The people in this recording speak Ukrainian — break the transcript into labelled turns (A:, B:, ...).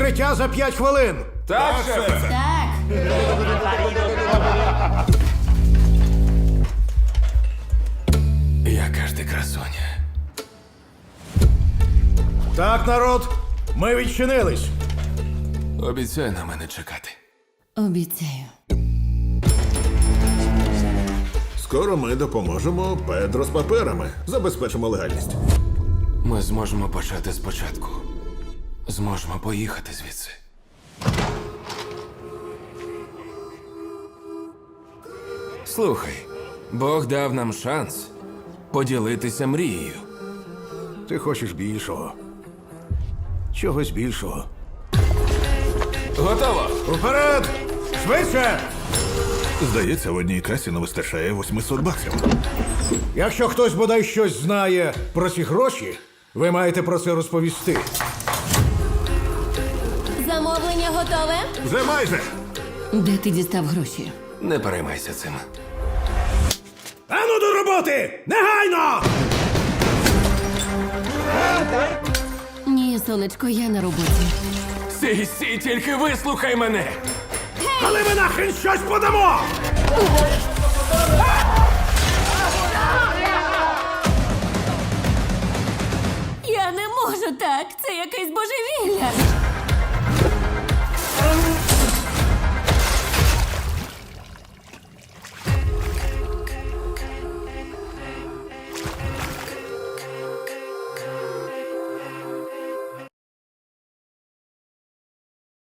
A: Відкриття за 5 хвилин.
B: Так, шефе.
C: Так.
B: Яка ж ти красуня.
A: Так, народ, ми відчинились.
B: Обіцяй на мене чекати.
C: Обіцяю.
D: Скоро ми допоможемо Педро з паперами. Забезпечимо легальність.
B: Ми зможемо почати спочатку. Зможемо поїхати звідси. Слухай, Бог дав нам шанс поділитися мрією.
A: Ти хочеш більшого. Чогось більшого.
B: Готово!
A: Уперед! Швидше!
D: Здається, в одній касі не вистачає 800 баксів.
A: Якщо хтось бодай щось знає про ці гроші, ви маєте про це розповісти.
C: Замовлення готове?
D: Вже майже.
C: Де ти дістав гроші?
B: Не переймайся цим.
A: Ану до роботи! Негайно!
C: Ні, сонечко, я на роботі.
B: Сі, тільки вислухай мене!
A: Але ми нахрен щось подамо!
C: Я не можу так. Це якесь божевілля.